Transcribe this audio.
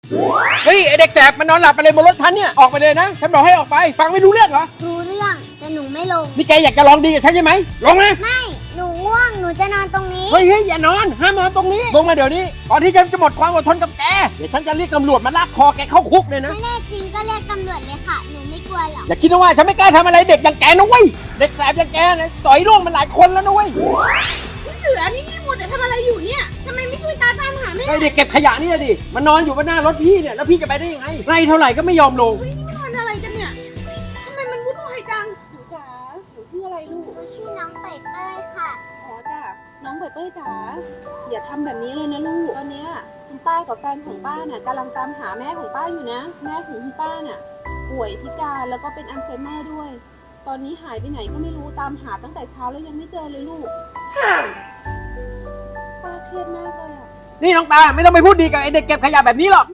เฮ้ยไอเด็กแสบมันนอนหลับไปเลยบนรถฉันเนี่ยออกไปเลยนะฉันบอกให้ออกไปฟังไม่รู้เรื่องเหรอรู้เรื่องแต่หนูไม่ลงนี่แกอยากจะลองดีกับฉันใช่ไหมลงมาไม่หนูง่วงหนูจะนอนตรงนี้เฮ้ยอย่านอนห้ามนอนตรงนี้ลงมาเดี๋ยวนี้ก่อนที่ฉันจะหมดความอดทนกับแกเดี๋ยวฉันจะเรียกตำรวจมาลากคอแกเข้าคุกเลยนะไม่แน่จริงก็เรียกตำรวจเลยค่ะหนูไม่กลัวหรอกอย่าคิดนะว่าฉันไม่กล้าทำอะไรเด็กอย่างแกนะเว้ยเด็กแสบอย่างแกนะสอยร่วงมันหลายคนแล้วนะเว้ยพี่เสือนี่พี่หมดแต่ทำอะไรอยู่เนี่ยทำไมไม่ช่วยตามหาแม่ไอเด็กเก็บขยะนี่ดิมันนอนอยู่บนหน้ารถพี่เนี่ยแล้วพี่จะไปได้ยังไงไล่เท่าไหร่ก็ไม่ยอมลงเฮ้ยนี่มันอะไรกันเนี่ยทำไมมันวุ่นวายจังหนูจ๋าหนูชื่ออะไรลูกหนูชื่อน้องเปยเป้ยค่ะอ๋อจ้ะน้องเป้ยจ๋าอย่าทำแบบนี้เลยนะลูกตอนเนี้ยคุณป้ากับแฟนของป้าน่ะกำลังตามหาแม่ของป้าอยู่นะแม่ของคุณป้าน่ะป่วยพิการแล้วก็เป็นอัลไซเมอร์ด้วยตอนนี้หายไปไหนก็ไม่รู้ตามหาตั้งแต่เช้าแล้วยังไม่เจอเลยลูกป้าเครียดมากเลยอ่ะนี่น้องตาไม่ต้องไปพูดดีกับไอเด็กเก็บขยะแบบนี้หรอก